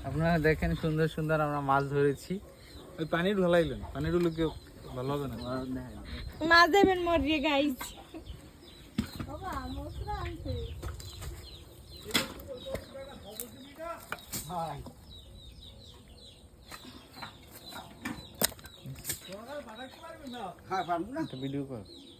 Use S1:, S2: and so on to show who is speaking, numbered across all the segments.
S1: আপনারা দেখেন সুন্দর সুন্দর আমরা মাছ ধরেছি।
S2: ওই পানির ঢালাইলেন, পানির গুলো কি ভালো হবে না?
S3: মাছ দেবেন মরিয়ে গাইস।
S1: ভিডিও কর।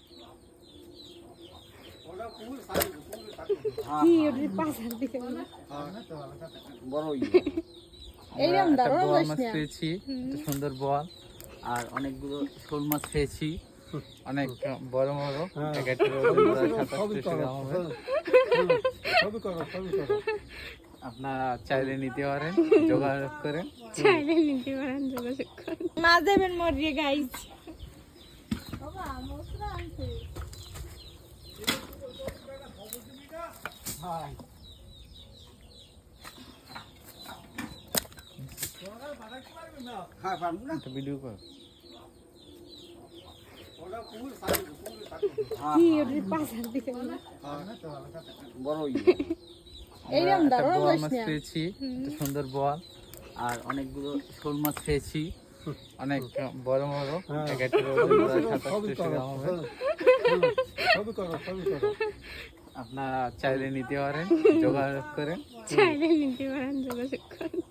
S3: কি ওর পাশার দিকে
S1: বড়
S3: এইরকম
S1: একটা
S3: দাঁড়ানো
S1: বোয়াল
S3: যাস
S1: মাছ
S3: না।
S1: পেয়েছি, একটা সুন্দর বোয়াল, আর অনেকগুলো শোল মাছ পেয়েছি, অনেক বড় বড়। এক একটা ওজন প্রায় 27 গ্রাম হবে। আপনারা চাইলে নিতে পারেন, যোগাযোগ করেন।
S3: চাইলে নিতে পারেন, যোগাযোগ করুন। মাছ দেবেন মরিয়ে গাইস।
S1: একটা ভিডিও কর।
S3: কি ওর পাশার দিকে
S1: বড়
S3: এইরকম
S1: একটা
S3: দাঁড়ানো
S1: বোয়াল
S3: যাস
S1: মাছ
S3: না।
S1: পেয়েছি, একটা সুন্দর বোয়াল, আর অনেকগুলো শোল মাছ পেয়েছি, অনেক বড় বড়। এক একটা ওজন প্রায় 27 গ্রাম হবে। আপনারা চাইলে নিতে পারেন, যোগাযোগ করেন।
S3: চাইলে নিতে পারেন, যোগাযোগ করুন।